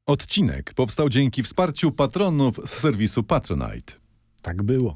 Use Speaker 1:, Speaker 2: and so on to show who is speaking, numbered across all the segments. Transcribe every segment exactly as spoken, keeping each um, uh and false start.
Speaker 1: Odcinek powstał dzięki wsparciu patronów z serwisu Patronite.
Speaker 2: Tak było.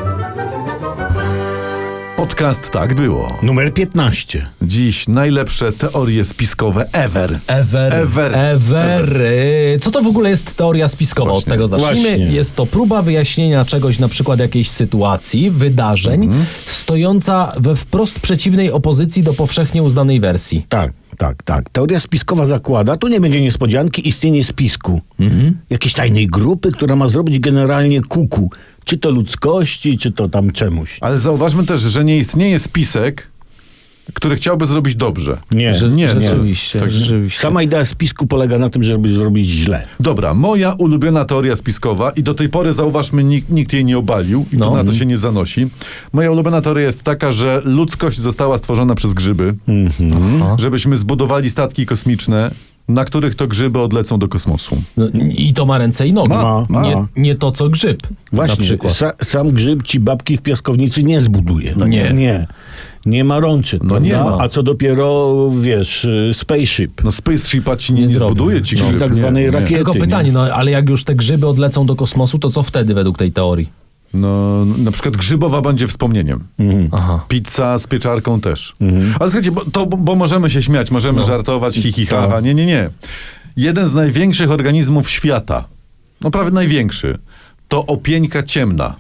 Speaker 1: Podcast Tak Było.
Speaker 2: Numer piętnaście.
Speaker 1: Dziś najlepsze teorie spiskowe ever.
Speaker 3: Ever.
Speaker 1: Ever.
Speaker 3: Ever. Co to w ogóle jest teoria spiskowa?
Speaker 1: Właśnie,
Speaker 3: Od tego zacznijmy.
Speaker 2: właśnie.
Speaker 3: Jest to próba wyjaśnienia czegoś, na przykład jakiejś sytuacji, wydarzeń,
Speaker 1: Mhm.
Speaker 3: stojąca we wprost przeciwnej opozycji do powszechnie uznanej wersji.
Speaker 2: Tak, tak, tak. Teoria spiskowa zakłada, tu nie będzie niespodzianki, istnienie spisku. Jakiejś tajnej grupy, która ma zrobić generalnie kuku. Czy to ludzkości, czy to tam czemuś.
Speaker 1: Ale zauważmy też, że nie istnieje spisek, który chciałby zrobić dobrze.
Speaker 2: Nie,
Speaker 3: Że,
Speaker 1: nie,
Speaker 3: rzeczywiście,
Speaker 1: tak.
Speaker 3: rzeczywiście.
Speaker 2: Sama idea spisku polega na tym, żeby zrobić źle.
Speaker 1: Dobra, moja ulubiona teoria spiskowa i do tej pory, zauważmy, nikt, nikt jej nie obalił i to
Speaker 3: No.
Speaker 1: na to się nie zanosi. Moja ulubiona teoria jest taka, że ludzkość została stworzona przez grzyby,
Speaker 3: Aha.
Speaker 1: żebyśmy zbudowali statki kosmiczne, na których to grzyby odlecą do kosmosu.
Speaker 3: No, I to ma ręce i nogi.
Speaker 2: Ma, ma.
Speaker 3: Nie, nie to, co grzyb. Na
Speaker 2: Właśnie,
Speaker 3: przykład.
Speaker 2: sa, sam grzyb ci babki w piaskownicy nie zbuduje. No
Speaker 1: Nie.
Speaker 2: Nie. Nie ma rączek,
Speaker 1: No
Speaker 2: prawda?
Speaker 1: nie ma.
Speaker 2: A co dopiero, wiesz, y, spaceship.
Speaker 1: No spaceshipa ci nie,
Speaker 3: Nie
Speaker 1: nie
Speaker 3: zrobią.
Speaker 1: zbuduje ci
Speaker 2: No,
Speaker 1: grzyb.
Speaker 2: tak
Speaker 1: nie,
Speaker 2: zwanej
Speaker 1: nie.
Speaker 2: rakiety.
Speaker 3: Tylko
Speaker 2: nie?
Speaker 3: pytanie, no ale jak już te grzyby odlecą do kosmosu, to co wtedy według tej teorii?
Speaker 1: No, na przykład grzybowa będzie wspomnieniem.
Speaker 3: Aha.
Speaker 1: Pizza z pieczarką też. Ale słuchajcie, bo, to, bo możemy się śmiać, możemy
Speaker 3: No.
Speaker 1: żartować, hi, hi, ha,
Speaker 2: Tak.
Speaker 1: ha. Nie, nie, nie. Jeden z największych organizmów świata, no prawie największy, to opieńka ciemna.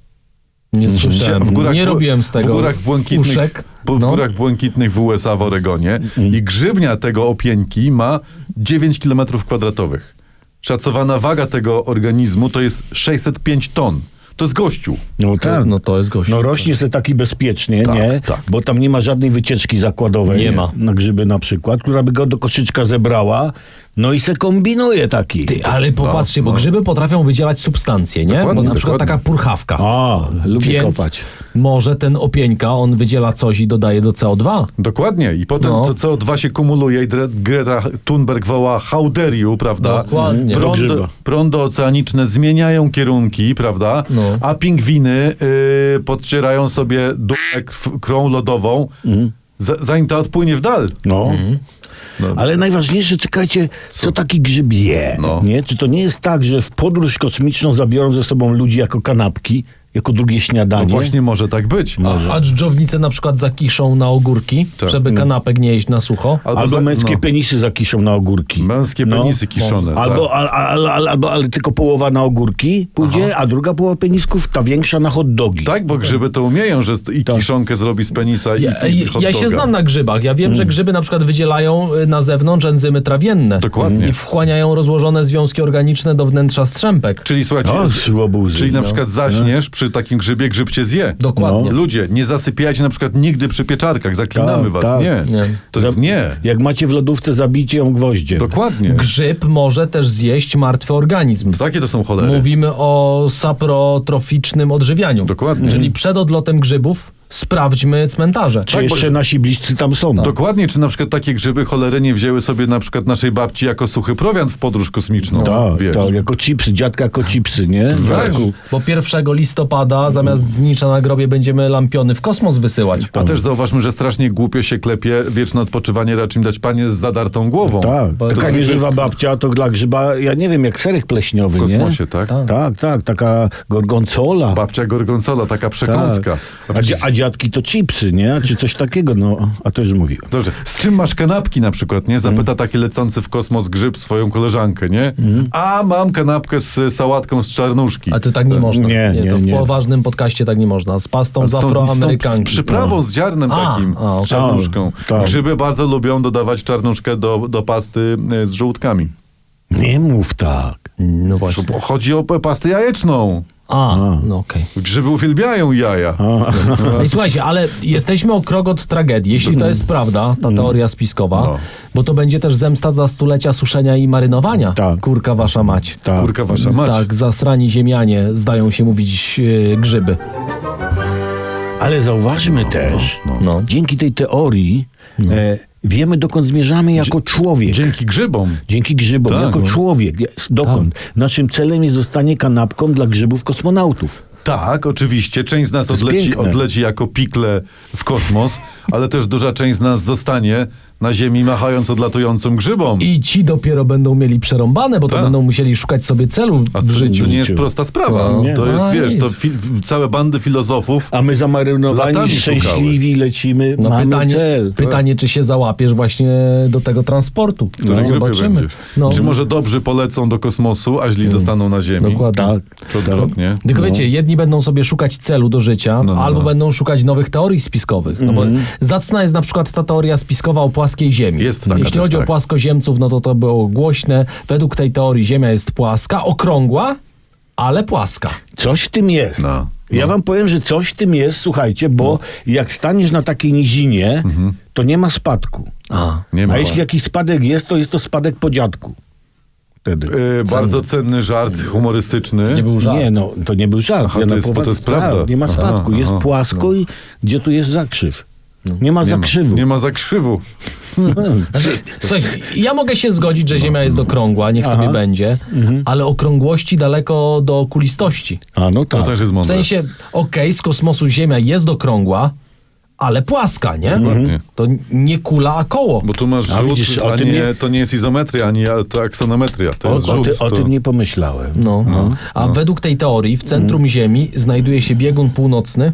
Speaker 3: Nie słyszałem.
Speaker 1: W górach,
Speaker 3: nie robiłem z tego
Speaker 1: w górach błękitnych,
Speaker 3: uszek.
Speaker 1: bu- w
Speaker 3: No.
Speaker 1: górach błękitnych w U S A, w Oregonie. I grzybnia tego opieńki ma dziewięć kilometrów kwadratowych. Szacowana waga tego organizmu to jest sześćset pięć ton. To jest gościu.
Speaker 2: No tak.
Speaker 3: No to jest gość.
Speaker 2: No rośnie sobie taki bezpiecznie,
Speaker 1: Tak,
Speaker 2: nie?
Speaker 1: tak.
Speaker 2: Bo tam nie ma żadnej wycieczki zakładowej.
Speaker 3: Nie ma.
Speaker 2: Na grzyby na przykład, która by go do koszyczka zebrała. No i se kombinuje taki.
Speaker 3: Ty, ale popatrzcie,
Speaker 1: No,
Speaker 3: bo
Speaker 1: no.
Speaker 3: grzyby potrafią wydzielać substancje, nie?
Speaker 1: Dokładnie,
Speaker 3: Bo na przykład
Speaker 1: dokładnie.
Speaker 3: taka purchawka.
Speaker 2: A, lubię
Speaker 3: Więc
Speaker 2: kopać.
Speaker 3: może ten opieńka, on wydziela coś i dodaje do C O dwa.
Speaker 1: Dokładnie. I potem
Speaker 3: No.
Speaker 1: to C O dwa się kumuluje i Dre- Greta Thunberg woła how dare you, prawda?
Speaker 3: Dokładnie.
Speaker 2: Do
Speaker 1: Prądy,
Speaker 2: grzyba.
Speaker 1: prądy oceaniczne zmieniają kierunki, prawda?
Speaker 3: No.
Speaker 1: A pingwiny yy, podcierają sobie dupę krw- krą lodową, za, zanim ta odpłynie w dal.
Speaker 2: No.
Speaker 3: Mhm.
Speaker 1: No.
Speaker 2: Ale najważniejsze, czekajcie, co, taki grzyb je,
Speaker 1: No.
Speaker 2: nie? Czy to nie jest tak, że w podróż kosmiczną zabiorą ze sobą ludzi jako kanapki, jako drugie
Speaker 1: No
Speaker 2: śniadanie?
Speaker 1: właśnie może tak być.
Speaker 3: A, a dżdżownice na przykład zakiszą na ogórki,
Speaker 1: Tak.
Speaker 3: żeby kanapek nie jeść na sucho.
Speaker 2: Albo
Speaker 1: za-
Speaker 2: męskie
Speaker 1: no.
Speaker 2: penisy zakiszą na ogórki.
Speaker 1: Męskie
Speaker 2: No.
Speaker 1: penisy kiszone.
Speaker 2: Albo,
Speaker 1: tak.
Speaker 2: al, al, al, albo ale tylko połowa na ogórki pójdzie, a druga połowa penisków, ta większa na hot dogi.
Speaker 1: Tak, bo grzyby to umieją, że i
Speaker 2: Tak.
Speaker 1: kiszonkę zrobi z penisa i,
Speaker 3: Ja,
Speaker 1: i
Speaker 3: ja,
Speaker 1: hot
Speaker 3: ja się
Speaker 1: doga.
Speaker 3: znam na grzybach. Ja
Speaker 2: Mm.
Speaker 3: wiem, że grzyby na przykład wydzielają y, na zewnątrz enzymy trawienne.
Speaker 1: Dokładnie.
Speaker 3: I wchłaniają rozłożone związki organiczne do wnętrza strzępek.
Speaker 1: Czyli słuchajcie,
Speaker 2: O,
Speaker 1: z-
Speaker 2: szłobuzy.
Speaker 1: czyli na
Speaker 2: No.
Speaker 1: przykład zaśniesz przy takim grzybie, grzyb cię zje.
Speaker 3: Dokładnie.
Speaker 1: Ludzie, nie zasypiajcie na przykład nigdy przy pieczarkach, zaklinamy
Speaker 2: Tak,
Speaker 1: was.
Speaker 2: tak.
Speaker 1: Nie.
Speaker 3: Nie.
Speaker 1: To jest
Speaker 2: Za-
Speaker 1: nie.
Speaker 2: Jak macie w lodówce, zabijcie ją gwoździem.
Speaker 1: Dokładnie.
Speaker 3: Grzyb może też zjeść martwy organizm.
Speaker 1: Takie to są cholery.
Speaker 3: Mówimy o saprotroficznym odżywianiu.
Speaker 1: Dokładnie.
Speaker 3: Czyli przed odlotem grzybów sprawdźmy cmentarze.
Speaker 2: Czy
Speaker 1: Tak,
Speaker 2: jeszcze
Speaker 1: bo-
Speaker 2: nasi bliscy tam są?
Speaker 1: Dokładnie, czy na przykład takie grzyby cholery nie wzięły sobie na przykład naszej babci jako suchy prowiant w podróż kosmiczną.
Speaker 2: Tak,
Speaker 1: wiesz.
Speaker 2: tak, jako chipsy, dziadka jako chipsy, nie?
Speaker 3: Tak,
Speaker 2: Dziadku.
Speaker 3: bo pierwszego listopada zamiast znicza na grobie będziemy lampiony w kosmos wysyłać.
Speaker 1: A też zauważmy, że strasznie głupio się klepie wieczne odpoczywanie, raczej im dać panie z zadartą głową.
Speaker 2: Tak,
Speaker 3: Bo-
Speaker 2: taka
Speaker 1: To
Speaker 2: nieżywa
Speaker 1: jest-
Speaker 2: babcia to dla grzyba, ja nie wiem, jak serek pleśniowy,
Speaker 1: W
Speaker 2: nie?
Speaker 1: kosmosie, tak?
Speaker 3: Tak.
Speaker 2: Tak, tak, taka gorgonzola.
Speaker 1: Babcia gorgonzola, taka przekąska.
Speaker 2: Tak. A, dzia- a dziadki to chipsy, nie? Czy coś takiego, no, a to już mówiłem.
Speaker 1: Dobrze, z czym masz kanapki na przykład, nie? Zapyta taki lecący w kosmos grzyb swoją koleżankę, nie? A mam kanapkę z sałatką z czarnuszki.
Speaker 3: A to tak nie można.
Speaker 2: Nie, nie,
Speaker 3: to w
Speaker 2: nie.
Speaker 3: poważnym podcaście tak nie można. Z pastą z
Speaker 1: Z tą-
Speaker 3: afroamerykanki.
Speaker 1: Z przyprawą, z ziarnem
Speaker 3: A,
Speaker 1: takim,
Speaker 3: a, okej.
Speaker 1: z czarnuszką.
Speaker 2: A, tak.
Speaker 1: Grzyby bardzo lubią dodawać czarnuszkę do, do pasty y, z żołądkami.
Speaker 2: Nie mów tak.
Speaker 3: No właśnie.
Speaker 1: Bo chodzi o p- pastę jajeczną.
Speaker 3: A, no okej.
Speaker 1: Grzyby uwielbiają jaja.
Speaker 3: No i słuchajcie, ale jesteśmy o krok od tragedii, jeśli to jest prawda, ta teoria spiskowa,
Speaker 1: No.
Speaker 3: bo to będzie też zemsta za stulecia suszenia i marynowania.
Speaker 2: Tak.
Speaker 3: Kurka wasza mać.
Speaker 2: Tak.
Speaker 1: Kurka wasza mać.
Speaker 3: Tak, zasrani ziemianie, zdają się mówić yy, grzyby.
Speaker 2: Ale zauważmy też,
Speaker 3: No.
Speaker 2: dzięki tej teorii e, wiemy, dokąd zmierzamy jako człowiek.
Speaker 1: Dzięki grzybom.
Speaker 2: Dzięki grzybom,
Speaker 1: Tak,
Speaker 2: jako
Speaker 1: no.
Speaker 2: człowiek. Jest- Dokąd? Naszym celem jest zostanie kanapką dla grzybów kosmonautów.
Speaker 1: Tak, oczywiście. Część z nas
Speaker 2: jest
Speaker 1: odleci,
Speaker 2: piękne.
Speaker 1: odleci jako pikle w kosmos, ale też duża część z nas zostanie na Ziemi, machając odlatującym grzybom.
Speaker 3: I ci dopiero będą mieli przerąbane, bo to
Speaker 1: Tak.
Speaker 3: będą musieli szukać sobie celu
Speaker 1: A
Speaker 3: w
Speaker 1: to,
Speaker 3: życiu.
Speaker 1: to nie jest prosta sprawa.
Speaker 3: No.
Speaker 2: Nie.
Speaker 1: To jest,
Speaker 3: A,
Speaker 1: wiesz, to
Speaker 3: wiesz.
Speaker 1: fi- całe bandy filozofów.
Speaker 2: A my zamarynowani,
Speaker 1: Latami
Speaker 2: szczęśliwi lecimy,
Speaker 3: No
Speaker 2: mamy
Speaker 3: pytanie,
Speaker 2: cel.
Speaker 3: pytanie, czy się załapiesz właśnie do tego transportu.
Speaker 1: W której
Speaker 3: No,
Speaker 1: grupie
Speaker 3: zobaczymy.
Speaker 1: będziesz.
Speaker 3: No.
Speaker 1: Czy może dobrzy polecą do kosmosu, a źli zostaną na Ziemi?
Speaker 3: Dokładnie.
Speaker 2: Tak,
Speaker 1: Czy odwrotnie?
Speaker 3: Tylko
Speaker 2: No.
Speaker 3: wiecie, jedni będą sobie szukać celu do życia,
Speaker 1: No, no,
Speaker 3: albo
Speaker 1: no.
Speaker 3: będą szukać nowych teorii spiskowych. No bo zacna jest na przykład ta teoria spiskowa o płaskiej Ziemi.
Speaker 1: Jest taka
Speaker 3: Jeśli
Speaker 1: też,
Speaker 3: chodzi o
Speaker 1: tak.
Speaker 3: płaskoziemców, no to to było głośne. Według tej teorii Ziemia jest płaska, okrągła, ale płaska.
Speaker 2: Coś w tym jest.
Speaker 1: No.
Speaker 2: Ja wam powiem, że coś w tym jest, słuchajcie, bo jak staniesz na takiej nizinie, to nie ma spadku.
Speaker 3: A.
Speaker 1: Nie ma.
Speaker 2: A jeśli jakiś spadek jest, to jest to spadek po dziadku. Wtedy.
Speaker 1: Yy, bardzo cenny żart humorystyczny.
Speaker 3: Nie był żart.
Speaker 2: Nie, no, to nie był żart.
Speaker 1: Aha,
Speaker 2: Ja
Speaker 1: to
Speaker 2: na
Speaker 1: jest- bo
Speaker 2: powa-
Speaker 1: to jest prawda.
Speaker 2: Tak, nie ma
Speaker 1: Aha,
Speaker 2: spadku, jest
Speaker 1: aha,
Speaker 2: płasko i gdzie tu jest zakrzyw? Nie ma
Speaker 1: Nie ma,
Speaker 2: zakrzywu.
Speaker 1: nie ma zakrzywu.
Speaker 3: Znaczy, słuchajcie, ja mogę się zgodzić, że Ziemia jest okrągła, niech sobie
Speaker 2: Aha.
Speaker 3: będzie, ale okrągłości daleko do kulistości.
Speaker 2: A no
Speaker 1: To
Speaker 2: tak.
Speaker 1: też jest
Speaker 3: W
Speaker 1: mądre.
Speaker 3: sensie, okej, z kosmosu Ziemia jest okrągła, ale płaska, nie?
Speaker 1: Dokładnie.
Speaker 3: To nie kula, a koło.
Speaker 1: Bo tu masz
Speaker 2: A
Speaker 1: rzut,
Speaker 2: widzisz, o
Speaker 1: a
Speaker 2: tym
Speaker 1: nie,
Speaker 2: nie-
Speaker 1: to nie jest izometria, ani a- to aksonometria. To
Speaker 2: O,
Speaker 1: jest
Speaker 2: o,
Speaker 1: rzut.
Speaker 2: ty, o
Speaker 1: to...
Speaker 2: tym nie pomyślałem.
Speaker 3: No. A według tej teorii w centrum Ziemi znajduje się biegun północny,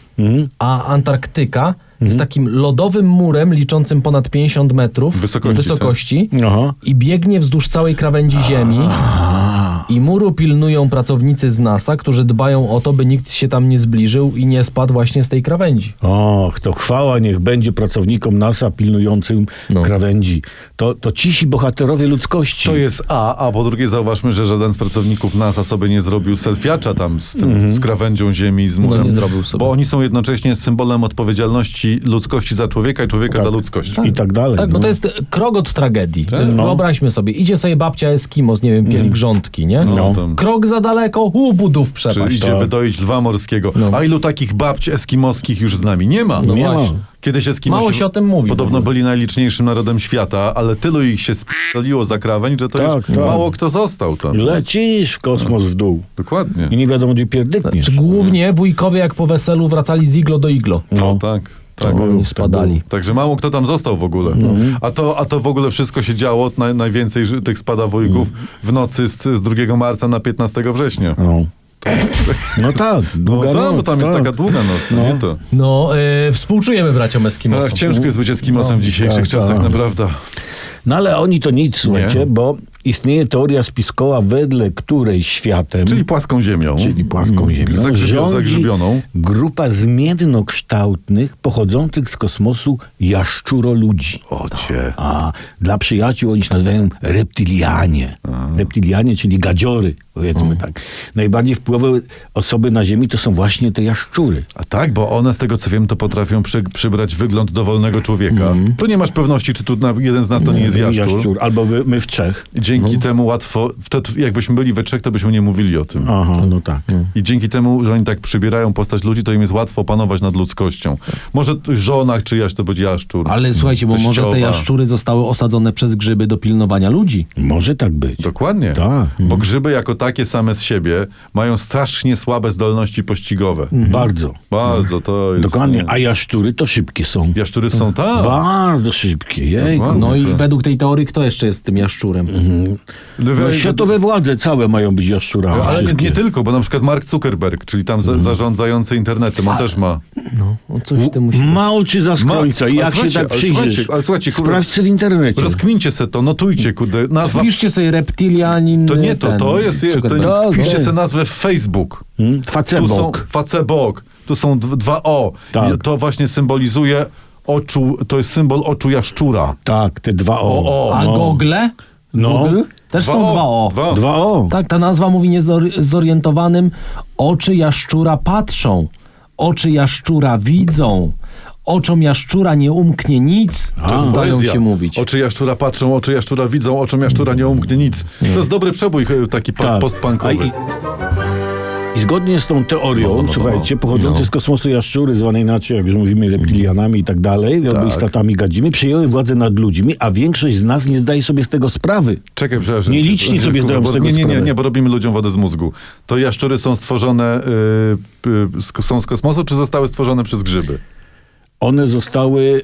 Speaker 3: a Antarktyka jest takim lodowym murem liczącym ponad pięćdziesiąt metrów
Speaker 1: Wysokości,
Speaker 3: wysokości
Speaker 2: Aha.
Speaker 3: i biegnie wzdłuż całej krawędzi Ziemi. I muru pilnują pracownicy z NASA, którzy dbają o to, by nikt się tam nie zbliżył i nie spadł właśnie z tej krawędzi.
Speaker 2: Och, to chwała niech będzie pracownikom NASA pilnującym
Speaker 3: No.
Speaker 2: krawędzi. To, to cisi bohaterowie ludzkości.
Speaker 1: To jest A, a po drugie zauważmy, że żaden z pracowników NASA sobie nie zrobił selfiacza tam z, tym, z krawędzią Ziemi, z murem.
Speaker 3: No nie zrobił sobie.
Speaker 1: Bo oni są jednocześnie symbolem odpowiedzialności ludzkości za człowieka i człowieka za ludzkość.
Speaker 2: I tak dalej.
Speaker 3: Tak, bo
Speaker 2: no.
Speaker 3: to jest krok od tragedii. Że
Speaker 2: No.
Speaker 3: Wyobraźmy sobie, idzie sobie babcia Eskimos, nie wiem, pielgrzątki, nie?
Speaker 1: No, tam.
Speaker 3: Krok za daleko, u, budów
Speaker 1: Czy
Speaker 3: przepaść.
Speaker 1: idzie wydoić lwa morskiego.
Speaker 3: No.
Speaker 1: A ilu takich babć eskimoskich już z nami nie ma?
Speaker 3: No
Speaker 2: Nie ma.
Speaker 3: właśnie.
Speaker 1: Kiedyś Eskimosi
Speaker 3: Mało się o tym mówi w
Speaker 1: podobno
Speaker 3: ogóle.
Speaker 1: byli najliczniejszym narodem świata, ale tylu ich się sp***liło za krawędź, że to
Speaker 2: Tak,
Speaker 1: już
Speaker 2: tak.
Speaker 1: mało kto został tam.
Speaker 2: Lecisz w kosmos w dół.
Speaker 1: Dokładnie.
Speaker 2: I nie wiadomo, gdzie pierdykniesz.
Speaker 3: Czy głównie wujkowie jak po weselu wracali z iglo do iglo.
Speaker 1: No tak. Tak.
Speaker 3: Tak, oni spadali.
Speaker 1: Także mało kto tam został w ogóle. A, to, a to w ogóle wszystko się działo, naj, najwięcej ży- tych spadawojków w nocy z, z drugiego marca na piętnastego września.
Speaker 2: No. No tak,
Speaker 1: No
Speaker 2: długa
Speaker 1: tam, bo
Speaker 2: noc,
Speaker 1: tam jest
Speaker 2: tak.
Speaker 1: taka długa noc, no. nie to.
Speaker 3: No, yy, współczujemy braciom Eskimosom.
Speaker 1: Ach, ciężko jest być Eskimosem w dzisiejszych
Speaker 2: tak,
Speaker 1: czasach,
Speaker 2: tak.
Speaker 1: naprawdę.
Speaker 2: No ale oni to nic, słuchajcie, bo istnieje teoria spiskowa, wedle której światem,
Speaker 1: Czyli płaską ziemią.
Speaker 2: czyli płaską ziemią,
Speaker 1: Zagrzybio-
Speaker 2: rządzi
Speaker 1: zagrzybioną.
Speaker 2: grupa zmiennokształtnych, pochodzących z kosmosu jaszczuroludzi.
Speaker 1: O cię.
Speaker 2: A dla przyjaciół oni się nazywają reptilianie. Reptilianie, czyli gadziory, powiedzmy tak. Najbardziej wpływowe osoby na Ziemi to są właśnie te jaszczury.
Speaker 1: A tak, bo one z tego co wiem, to potrafią przy, przybrać wygląd dowolnego człowieka. Tu nie masz pewności, czy tu na, jeden z nas to nie jest jaszczur.
Speaker 2: Albo wy, my w trzech.
Speaker 1: I dzięki temu łatwo, wtedy jakbyśmy byli we trzech, to byśmy nie mówili o tym.
Speaker 2: Aha, no tak.
Speaker 1: I dzięki temu, że oni tak przybierają postać ludzi, to im jest łatwo panować nad ludzkością. Może t- żona czyjaś to będzie jaszczur.
Speaker 3: Ale słuchajcie, bo może
Speaker 1: Teściowa.
Speaker 3: te jaszczury zostały osadzone przez grzyby do pilnowania ludzi.
Speaker 2: Może tak być.
Speaker 1: Dokładnie.
Speaker 2: Tak.
Speaker 1: Bo grzyby jako takie same z siebie mają strasznie słabe zdolności pościgowe.
Speaker 2: Bardzo.
Speaker 1: Bardzo to jest...
Speaker 2: Dokładnie.
Speaker 1: no.
Speaker 2: A jaszczury to szybkie są.
Speaker 1: Jaszczury są tak.
Speaker 2: Bardzo szybkie. Jejku.
Speaker 1: Dokładnie.
Speaker 3: No i
Speaker 1: to-
Speaker 3: według tej teorii kto jeszcze jest tym jaszczurem?
Speaker 2: No, światowe władze całe mają być jaszczurami.
Speaker 1: Ale nie,
Speaker 2: wszystkie.
Speaker 1: nie tylko, bo na przykład Mark Zuckerberg, czyli tam za, zarządzający internetem, on też ma.
Speaker 3: No, o coś w tym musi...
Speaker 2: Ma oczy za skrońca. I
Speaker 1: Ma-
Speaker 2: jak
Speaker 1: ale
Speaker 2: się
Speaker 1: słuchajcie,
Speaker 2: tak
Speaker 1: ale
Speaker 2: przyjrzysz,
Speaker 1: słuchajcie, ale słuchajcie, kurde,
Speaker 2: sprawdźcie w internecie.
Speaker 1: Rozkmincie se to, notujcie, kurde, nazwa...
Speaker 3: Wpiszcie sobie reptilianin...
Speaker 1: To nie to,
Speaker 3: ten,
Speaker 1: to jest, jest to
Speaker 3: Zuckerberg.
Speaker 1: jest,
Speaker 2: Tak,
Speaker 1: wpiszcie
Speaker 2: tak.
Speaker 1: se nazwę w Facebook.
Speaker 2: Hmm?
Speaker 1: Tu są
Speaker 2: Facebok.
Speaker 1: Facebook, tu są d- dwa O.
Speaker 2: Tak.
Speaker 1: I to właśnie symbolizuje oczu, to jest symbol oczu jaszczura.
Speaker 2: Tak, te dwa O.
Speaker 1: O, o.
Speaker 3: A
Speaker 2: No.
Speaker 3: Google?
Speaker 2: No.
Speaker 3: Google? Też są dwa O.
Speaker 1: Dwa o.
Speaker 2: Dwa O.
Speaker 3: Tak, ta nazwa mówi niezorientowanym. Oczy jaszczura patrzą. Oczy jaszczura widzą. Oczom jaszczura nie umknie nic.
Speaker 1: To jest
Speaker 3: zdają
Speaker 1: poezja.
Speaker 3: się mówić.
Speaker 1: Oczy jaszczura patrzą, oczy jaszczura widzą, oczom jaszczura nie umknie nic. To jest dobry przebój e, taki pa-
Speaker 2: Tak. A
Speaker 1: postpunkowy.
Speaker 2: i, I zgodnie z tą teorią,
Speaker 1: No, no, no,
Speaker 2: słuchajcie,
Speaker 1: no.
Speaker 2: pochodzące
Speaker 3: No.
Speaker 2: z kosmosu jaszczury, zwane inaczej, jak już mówimy, reptilianami i tak dalej, albo
Speaker 1: Tak.
Speaker 2: istotami gadzimi, przejęły władzę nad ludźmi, a większość z nas nie zdaje sobie z tego sprawy.
Speaker 1: Czekaj, przepraszam.
Speaker 2: Nieliczni
Speaker 1: Kurwa,
Speaker 2: sobie zdają z
Speaker 1: bo-
Speaker 2: tego
Speaker 1: Nie, nie, nie,
Speaker 2: sprawę.
Speaker 1: nie, bo robimy ludziom wodę z mózgu. To jaszczury są stworzone, y, y, z- są z kosmosu, czy zostały stworzone przez grzyby?
Speaker 2: one zostały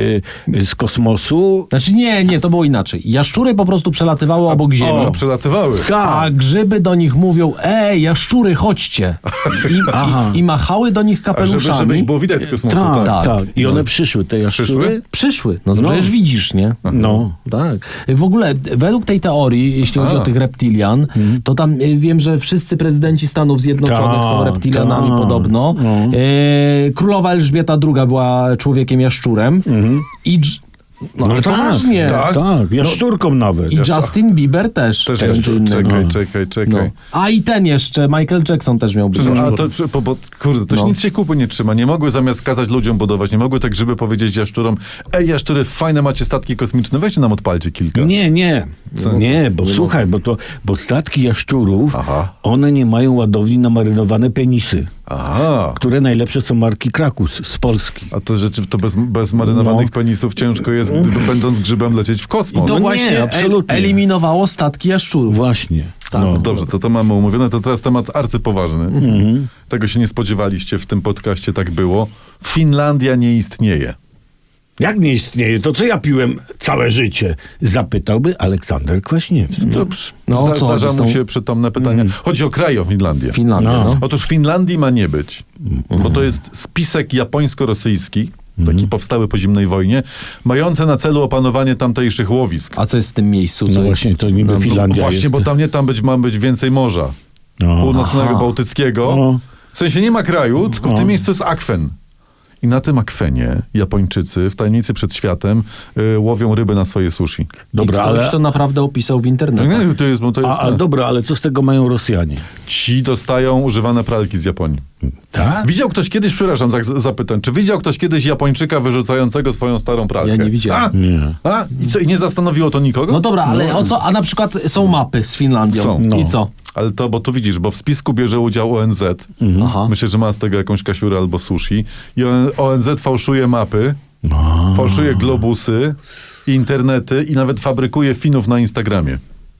Speaker 2: e, z kosmosu.
Speaker 3: Znaczy nie, nie, to było inaczej. Jaszczury po prostu przelatywały obok Ziemi.
Speaker 1: O, przelatywały.
Speaker 3: A grzyby do nich mówią, ej, jaszczury, chodźcie. I, i, i machały do nich
Speaker 1: A żeby,
Speaker 3: kapeluszami.
Speaker 1: żeby ich było widać z kosmosu.
Speaker 2: Tak,
Speaker 1: Tak.
Speaker 2: tak,
Speaker 3: tak.
Speaker 2: I one przyszły, te jaszczury.
Speaker 1: Przyszły?
Speaker 3: Przyszły. No to
Speaker 2: No.
Speaker 3: przecież widzisz, nie?
Speaker 2: No.
Speaker 3: Tak. W ogóle według tej teorii, jeśli chodzi
Speaker 1: A.
Speaker 3: o tych reptilian, to tam y, wiem, że wszyscy prezydenci Stanów Zjednoczonych
Speaker 2: Tak,
Speaker 3: są reptilianami
Speaker 2: tak.
Speaker 3: podobno.
Speaker 2: No.
Speaker 3: E, Królowa Elżbieta druga była człowiekiem jaszczurem. I dż- no,
Speaker 2: No
Speaker 3: ale
Speaker 2: tak,
Speaker 3: poważnie.
Speaker 1: tak.
Speaker 2: Tak, jaszczurką nawet.
Speaker 3: I Justin Bieber też.
Speaker 1: Też
Speaker 3: między
Speaker 1: jeszcze,
Speaker 3: innymi.
Speaker 1: czekaj,
Speaker 2: No.
Speaker 1: czekaj, czekaj.
Speaker 3: No. A i ten jeszcze, Michael Jackson też miał być.
Speaker 1: Przepraszam, a
Speaker 3: jaszczurem.
Speaker 1: to, bo, bo, kurde, to się
Speaker 3: No.
Speaker 1: nic się kupy nie trzyma. Nie mogły zamiast kazać ludziom budować, nie mogły te grzyby powiedzieć jaszczurom, ej jaszczury, fajne macie statki kosmiczne, weźcie nam odpalcie kilka.
Speaker 2: Nie, nie.
Speaker 1: Co?
Speaker 2: Nie, bo słuchaj, bo to bo statki jaszczurów,
Speaker 1: Aha.
Speaker 2: one nie mają ładowni na marynowane penisy,
Speaker 1: Aha.
Speaker 2: które najlepsze są marki Krakus z Polski.
Speaker 1: A to rzeczy, to bez, bez marynowanych
Speaker 2: No.
Speaker 1: penisów ciężko jest, gdy, będąc grzybem, lecieć w kosmos.
Speaker 3: I to
Speaker 2: No nie,
Speaker 3: właśnie
Speaker 2: absolutnie.
Speaker 3: e- eliminowało statki jaszczurów.
Speaker 2: Właśnie.
Speaker 3: Tak.
Speaker 2: No.
Speaker 1: Dobrze, to to mamy umówione. To teraz temat arcypoważny.
Speaker 2: Mhm.
Speaker 1: Tego się nie spodziewaliście, w tym podcaście tak było. Finlandia nie istnieje.
Speaker 2: Jak nie istnieje, to co ja piłem całe życie? Zapytałby Aleksander Kwaśniewski.
Speaker 1: Dobrze.
Speaker 3: No,
Speaker 1: Zda,
Speaker 3: o co
Speaker 1: zdarza
Speaker 3: chodzi z
Speaker 1: mu
Speaker 3: tą-
Speaker 1: się przytomne pytanie. Chodzi o kraj, o Finlandię.
Speaker 3: Finlandia,
Speaker 2: No.
Speaker 3: no.
Speaker 1: Otóż Finlandii ma nie być, bo to jest spisek japońsko-rosyjski, taki powstały po zimnej wojnie, mający na celu opanowanie tamtejszych łowisk.
Speaker 3: A co jest w tym miejscu? Co
Speaker 2: No
Speaker 3: jest?
Speaker 2: właśnie, to niby
Speaker 1: No,
Speaker 2: Finlandia
Speaker 1: właśnie,
Speaker 2: jest.
Speaker 1: bo tam nie, tam być, ma być więcej morza.
Speaker 2: No.
Speaker 1: Północnego,
Speaker 3: Aha.
Speaker 1: bałtyckiego.
Speaker 2: No.
Speaker 1: W sensie nie ma kraju, tylko w
Speaker 2: No.
Speaker 1: tym miejscu jest akwen. I na tym akwenie Japończycy w tajemnicy przed światem y, łowią ryby na swoje sushi.
Speaker 2: Dobra,
Speaker 3: I ktoś
Speaker 2: ale...
Speaker 3: to naprawdę opisał w
Speaker 1: No,
Speaker 3: internecie.
Speaker 1: nie, to jest, bo to jest,
Speaker 2: A, a dobra, ale co z tego mają Rosjanie?
Speaker 1: Ci dostają używane pralki z Japonii.
Speaker 2: Tak?
Speaker 1: Widział ktoś kiedyś, przepraszam, tak z- zapytam, czy widział ktoś kiedyś Japończyka wyrzucającego swoją starą pralkę?
Speaker 3: Ja nie widziałem.
Speaker 1: A?
Speaker 2: Nie.
Speaker 1: A? I co, i nie zastanowiło to nikogo?
Speaker 3: No dobra, ale o co? A na przykład są mapy z Finlandią.
Speaker 1: Są.
Speaker 2: No.
Speaker 3: I co?
Speaker 1: Ale to, bo tu widzisz, bo w spisku bierze udział O N Z.
Speaker 3: Aha.
Speaker 1: Myślę, że ma z tego jakąś kasiurę albo sushi. I O N Z fałszuje mapy,
Speaker 2: No.
Speaker 1: fałszuje globusy, internety i nawet fabrykuje Finów na Instagramie.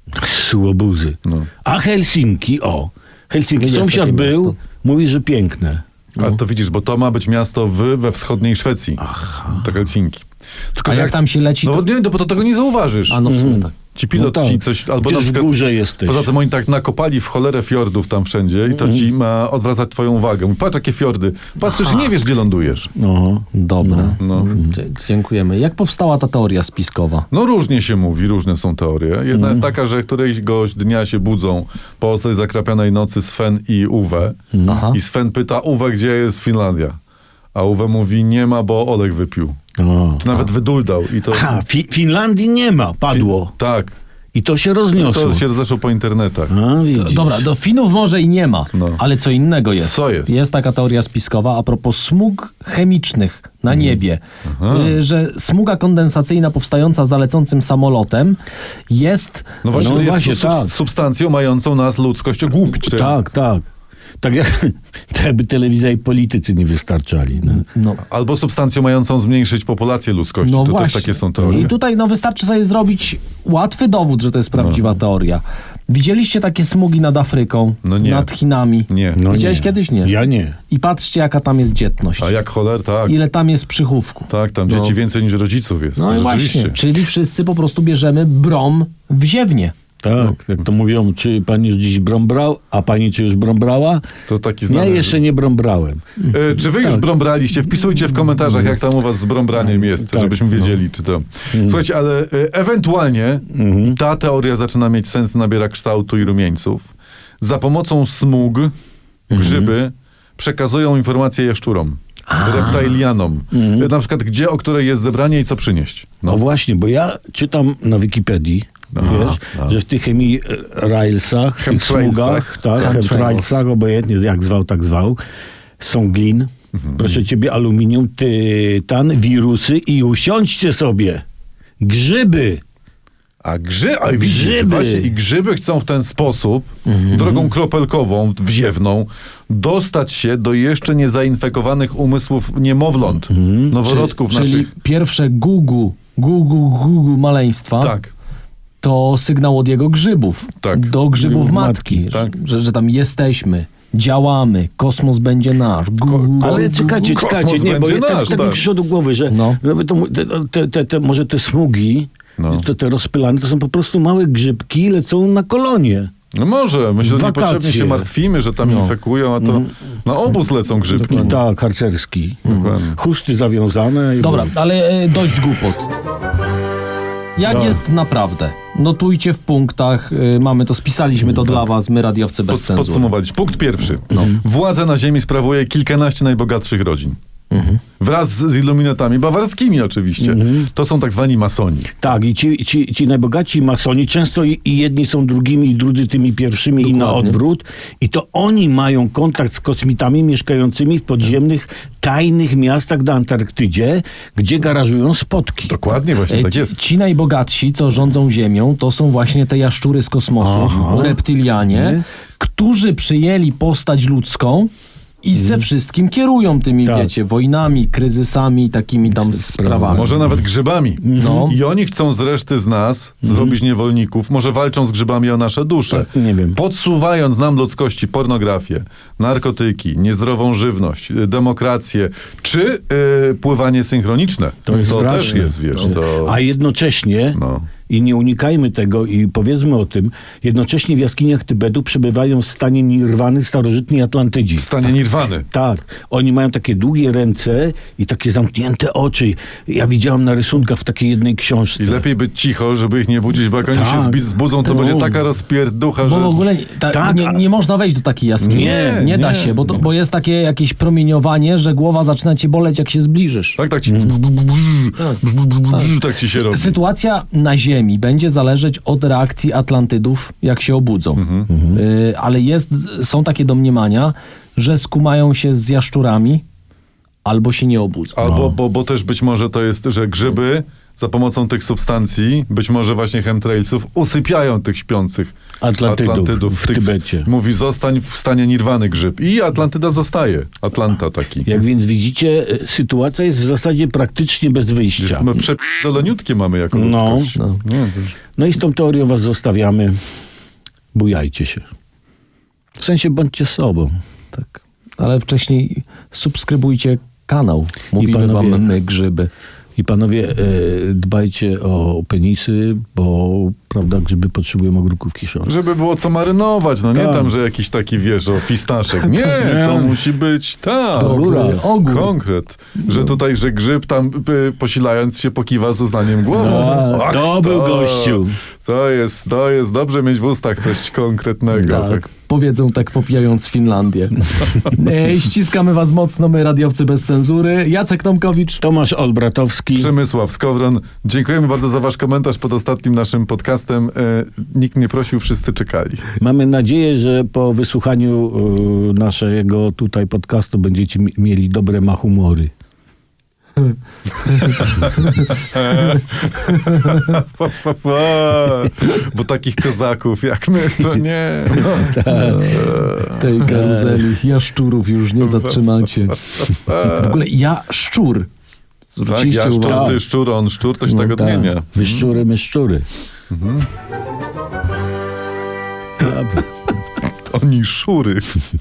Speaker 2: Słobuzy.
Speaker 1: No.
Speaker 2: A Helsinki, o. Helsinki,
Speaker 3: Jest
Speaker 2: sąsiad
Speaker 3: takie
Speaker 2: był,
Speaker 3: miasto.
Speaker 2: mówi, że piękne.
Speaker 1: A to widzisz, bo to ma być miasto w, we wschodniej Szwecji. To Helsinki. Tylko,
Speaker 3: A
Speaker 1: że
Speaker 3: jak tam się leci,
Speaker 1: No
Speaker 3: to...
Speaker 1: nie, no bo to tego nie zauważysz.
Speaker 3: A no w sumie tak.
Speaker 1: Ci pilot
Speaker 2: No tak.
Speaker 1: ci coś, albo
Speaker 2: Gdzieś
Speaker 1: na
Speaker 2: w
Speaker 1: przykład,
Speaker 2: górze jesteś.
Speaker 1: Poza tym oni tak nakopali w cholerę fiordów tam wszędzie i to ci ma odwracać twoją uwagę. Mówi, patrz jakie fiordy. Patrzysz i nie wiesz, gdzie lądujesz.
Speaker 2: No.
Speaker 3: Dobra.
Speaker 1: No.
Speaker 3: Dzie- Dziękujemy. Jak powstała ta teoria spiskowa?
Speaker 1: No różnie się mówi, różne są teorie. Jedna
Speaker 2: Mhm.
Speaker 1: jest taka, że któregoś dnia się budzą po ostrej zakrapianej nocy Sven i Uwe.
Speaker 3: Aha.
Speaker 1: I Sven pyta, Uwe, gdzie jest Finlandia? A Uwe mówi, nie ma, bo Oleg wypił.
Speaker 2: O.
Speaker 1: Czy nawet wyduldał. I to...
Speaker 2: Ha, fi Finlandii nie ma, padło.
Speaker 1: Tak.
Speaker 2: I to się rozniosło.
Speaker 1: To się rozeszło po internetach.
Speaker 2: A, widzisz.
Speaker 3: Dobra, do Finów może i nie ma,
Speaker 1: No.
Speaker 3: ale co innego jest.
Speaker 1: Co jest?
Speaker 3: Jest taka teoria spiskowa a propos smug chemicznych na niebie, y, że smuga kondensacyjna powstająca za lecącym samolotem jest...
Speaker 1: No właśnie,
Speaker 2: No
Speaker 1: to jest
Speaker 2: właśnie,
Speaker 1: sub-
Speaker 2: tak.
Speaker 1: substancją mającą nas ludzkość ogłupić. To jest-
Speaker 2: Tak, tak. Tak jak, tak jakby telewizja i politycy nie wystarczali. No.
Speaker 3: No,
Speaker 1: Albo substancją mającą zmniejszyć populację ludzkości.
Speaker 3: no
Speaker 1: to
Speaker 3: właśnie.
Speaker 1: też takie są teorie.
Speaker 3: I tutaj no, wystarczy sobie zrobić łatwy dowód, że to jest prawdziwa
Speaker 1: No.
Speaker 3: teoria. Widzieliście takie smugi nad Afryką,
Speaker 1: No nie.
Speaker 3: nad Chinami?
Speaker 1: Nie.
Speaker 2: No
Speaker 3: Widziałeś
Speaker 2: nie.
Speaker 3: kiedyś? Nie.
Speaker 2: Ja nie.
Speaker 3: I patrzcie, jaka tam jest dzietność.
Speaker 1: A jak choler, tak.
Speaker 3: Ile tam jest przychówku.
Speaker 1: Tak, tam
Speaker 3: No.
Speaker 1: dzieci więcej niż rodziców jest.
Speaker 3: No i
Speaker 1: Rzeczywiście.
Speaker 3: właśnie, czyli wszyscy po prostu bierzemy brom w ziewnie.
Speaker 2: Tak, jak to mówią, czy pani już dziś brąbrał, a pani czy już brąbrała?
Speaker 1: To taki
Speaker 2: Ja
Speaker 1: znany.
Speaker 2: jeszcze nie brąbrałem.
Speaker 1: E, czy wy już
Speaker 2: Tak.
Speaker 1: brąbraliście? Wpisujcie w komentarzach, jak tam u was z brąbraniem jest,
Speaker 2: Tak.
Speaker 1: żebyśmy wiedzieli, czy to... Słuchajcie, ale e, ewentualnie ta teoria zaczyna mieć sens, nabiera kształtu i rumieńców. Za pomocą smug grzyby przekazują informacje jaszczurom, reptilianom. E, Na przykład, gdzie, o której jest zebranie i co przynieść.
Speaker 2: No właśnie, bo ja czytam na Wikipedii,
Speaker 1: Aha,
Speaker 2: wiesz,
Speaker 1: no.
Speaker 2: że w tych chemii railsach, tych
Speaker 1: Chemtrailsach.
Speaker 2: smugach, tak,
Speaker 3: Chemtrails.
Speaker 2: chemtrailsach, obojętnie jak zwał, tak zwał, są glin,
Speaker 1: Mhm.
Speaker 2: proszę ciebie, aluminium, tytan, wirusy i usiądźcie sobie, grzyby.
Speaker 1: A grzy, a widzisz,
Speaker 2: Grzyby.
Speaker 1: właśnie i grzyby chcą w ten sposób, drogą kropelkową, wziewną, dostać się do jeszcze niezainfekowanych umysłów niemowląt, noworodków
Speaker 3: Czyli
Speaker 1: naszych.
Speaker 3: pierwsze gugu, gugu, gugu maleństwa
Speaker 1: Tak.
Speaker 3: to sygnał od jego grzybów.
Speaker 1: Tak.
Speaker 3: Do grzybów
Speaker 2: Grzybów
Speaker 3: matki.
Speaker 2: matki,
Speaker 1: tak.
Speaker 3: Że, że tam jesteśmy. działamy, kosmos będzie nasz. Gu, gu,
Speaker 2: Ale
Speaker 3: gu,
Speaker 2: czekajcie,
Speaker 3: gu.
Speaker 2: czekajcie,
Speaker 1: Kosmos
Speaker 2: nie, bo
Speaker 1: będzie
Speaker 2: ja, tak,
Speaker 1: nasz,
Speaker 2: tak mi
Speaker 1: tak.
Speaker 2: przyszło do głowy, że
Speaker 3: No.
Speaker 2: żeby to, te, te, te, te, może te smugi,
Speaker 1: No.
Speaker 2: te, te rozpylane, to są po prostu małe grzybki, lecą na kolonie.
Speaker 1: No może, my się
Speaker 2: Wakacje.
Speaker 1: niepotrzebnie się martwimy, że tam
Speaker 3: No.
Speaker 1: infekują, a to na obóz lecą grzybki.
Speaker 2: I tak, harcerski.
Speaker 1: Dokładnie.
Speaker 2: Chusty zawiązane. I
Speaker 3: Dobra, ale e, dość głupot. Jak
Speaker 2: Co?
Speaker 3: jest naprawdę? Notujcie w punktach, y, mamy to, spisaliśmy to dla was, my radiowcy bez
Speaker 1: Pod,
Speaker 3: cenzury.
Speaker 1: podsumowalić. Punkt pierwszy.
Speaker 3: No.
Speaker 1: Władzę na ziemi sprawuje kilkanaście najbogatszych rodzin.
Speaker 3: Mhm.
Speaker 1: Wraz z iluminatami bawarskimi oczywiście.
Speaker 2: Mhm.
Speaker 1: To są tak zwani masoni.
Speaker 2: Tak, i ci, ci, ci najbogaci masoni często i, i jedni są drugimi, i drudzy tymi pierwszymi i na
Speaker 3: Dokładnie.
Speaker 2: odwrót. I to oni mają kontakt z kosmitami mieszkającymi w podziemnych, tajnych miastach na Antarktydzie, gdzie garażują spotki.
Speaker 1: Dokładnie, właśnie
Speaker 3: E,
Speaker 1: tak
Speaker 3: ci,
Speaker 1: jest.
Speaker 3: ci najbogatsi, co rządzą Ziemią, to są właśnie te jaszczury z kosmosu,
Speaker 2: Aha.
Speaker 3: reptylianie,
Speaker 2: Nie?
Speaker 3: którzy przyjęli postać ludzką i ze wszystkim kierują tymi,
Speaker 2: Tak.
Speaker 3: wiecie, wojnami, kryzysami, takimi tam sprawami.
Speaker 1: Może nawet grzybami.
Speaker 3: No.
Speaker 1: I oni chcą z reszty z nas zrobić niewolników. Może walczą z grzybami o nasze dusze.
Speaker 2: Nie wiem.
Speaker 1: Podsuwając nam ludzkości pornografię, narkotyki, niezdrową żywność, y, demokrację, czy y, pływanie synchroniczne.
Speaker 2: To jest
Speaker 1: też
Speaker 2: straszne.
Speaker 1: jest, wiesz. To...
Speaker 2: A jednocześnie,
Speaker 1: No.
Speaker 2: i nie unikajmy tego i powiedzmy o tym, jednocześnie w jaskiniach Tybetu przebywają w stanie nirwany starożytni Atlantydzi.
Speaker 1: W stanie nirwany.
Speaker 2: Tak, oni mają takie długie ręce i takie zamknięte oczy. Ja widziałem na rysunkach w takiej jednej książce.
Speaker 1: I lepiej być cicho, żeby ich nie budzić, bo jak oni się
Speaker 2: Tak.
Speaker 1: zbi- zbudzą, to
Speaker 2: No.
Speaker 1: będzie taka rozpierducha,
Speaker 3: Bo
Speaker 1: że...
Speaker 3: w ogóle nie, ta,
Speaker 2: Tak,
Speaker 3: nie,
Speaker 2: a-
Speaker 3: nie można wejść do takiej jaskini.
Speaker 2: Nie,
Speaker 3: nie da
Speaker 1: nie.
Speaker 3: się, bo, to, bo jest takie jakieś promieniowanie, że głowa zaczyna cię boleć, jak się zbliżysz.
Speaker 1: Tak, tak ci... Tak ci się robi.
Speaker 3: Sytuacja na Ziemi będzie zależeć od reakcji Atlantydów, jak się obudzą. Y, ale jest, są takie domniemania, że skumają się z jaszczurami albo się nie obudzą.
Speaker 1: Albo, bo, bo też być może to jest, że grzyby za pomocą tych substancji, być może właśnie chemtrailsów, usypiają tych śpiących
Speaker 2: Atlantydów w
Speaker 1: tych-
Speaker 2: Tybecie.
Speaker 1: Mówi, zostań w stanie nirwany grzyb. I Atlantyda zostaje. Atlanta taki.
Speaker 2: Jak więc widzicie, e, sytuacja jest w zasadzie praktycznie bez wyjścia.
Speaker 1: Jest, my przepierdoleniutkie mamy jako
Speaker 2: No.
Speaker 1: ludzkość.
Speaker 3: No.
Speaker 1: No, to już-
Speaker 2: No i z tą teorią was zostawiamy. Bujajcie się. W sensie bądźcie sobą.
Speaker 3: Tak. Ale wcześniej subskrybujcie kanał. Mówimy
Speaker 2: panowie-
Speaker 3: wam my grzyby.
Speaker 2: I panowie, e, dbajcie o penisy, bo prawda, grzyby potrzebują ogórków kiszonych.
Speaker 1: Żeby było co marynować, no nie
Speaker 2: Tak.
Speaker 1: tam, że jakiś taki, wiesz, o fistaszek. Nie, to musi być tak.
Speaker 2: Ogóra.
Speaker 3: Ogór.
Speaker 1: Konkret. Że tutaj, że grzyb tam y, posilając się pokiwa z uznaniem głową.
Speaker 2: A,
Speaker 1: Ach,
Speaker 2: to był gościu.
Speaker 1: To jest, to jest dobrze mieć w ustach coś konkretnego.
Speaker 3: Tak.
Speaker 1: Tak.
Speaker 3: Powiedzą tak popijając Finlandię. e, ściskamy was mocno, my radiowcy bez cenzury. Jacek Tomkowicz.
Speaker 2: Tomasz Olbratowski.
Speaker 1: Przemysław Skowron. Dziękujemy bardzo za wasz komentarz pod ostatnim naszym podcastem. E, nikt nie prosił, wszyscy czekali.
Speaker 2: Mamy nadzieję, że po wysłuchaniu e, naszego tutaj podcastu będziecie mi- mieli dobre machumory.
Speaker 1: Bo takich kozaków jak my, to nie.
Speaker 3: Tej karuzeli jaszczurów już nie zatrzymacie. W ogóle ja szczur.
Speaker 1: Tak,
Speaker 3: Zwróciliście
Speaker 1: ja szczur,
Speaker 3: uwagę.
Speaker 1: ty szczur, on szczur, to się
Speaker 3: No
Speaker 1: tak
Speaker 3: tak.
Speaker 1: odmienia.
Speaker 2: Wy szczury, my szczury. Dobra.
Speaker 1: Oni szury.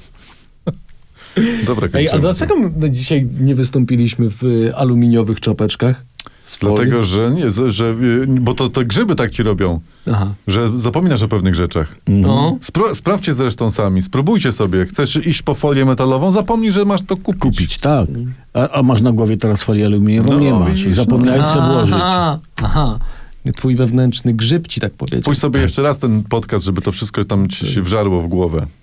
Speaker 1: Dobra,
Speaker 3: Ej, a
Speaker 1: kończymy.
Speaker 3: dlaczego my dzisiaj nie wystąpiliśmy w y, aluminiowych czapeczkach? Z folii?
Speaker 1: Dlatego, że nie, że, że y, bo to te grzyby tak ci robią,
Speaker 3: Aha.
Speaker 1: że zapominasz o pewnych rzeczach.
Speaker 3: No.
Speaker 1: Spro, sprawdźcie zresztą sami, spróbujcie sobie. Chcesz iść po folię metalową, zapomnij, że masz to kupić.
Speaker 2: Kupić, tak. A, a masz na głowie teraz folię aluminiową?
Speaker 1: No,
Speaker 2: Nie masz.
Speaker 1: widzisz,
Speaker 2: Zapomniałeś sobie włożyć.
Speaker 3: Aha, aha. Twój wewnętrzny grzyb ci tak powiedział.
Speaker 1: Pójdź sobie jeszcze raz ten podcast, żeby to wszystko tam ci się wżarło w głowę.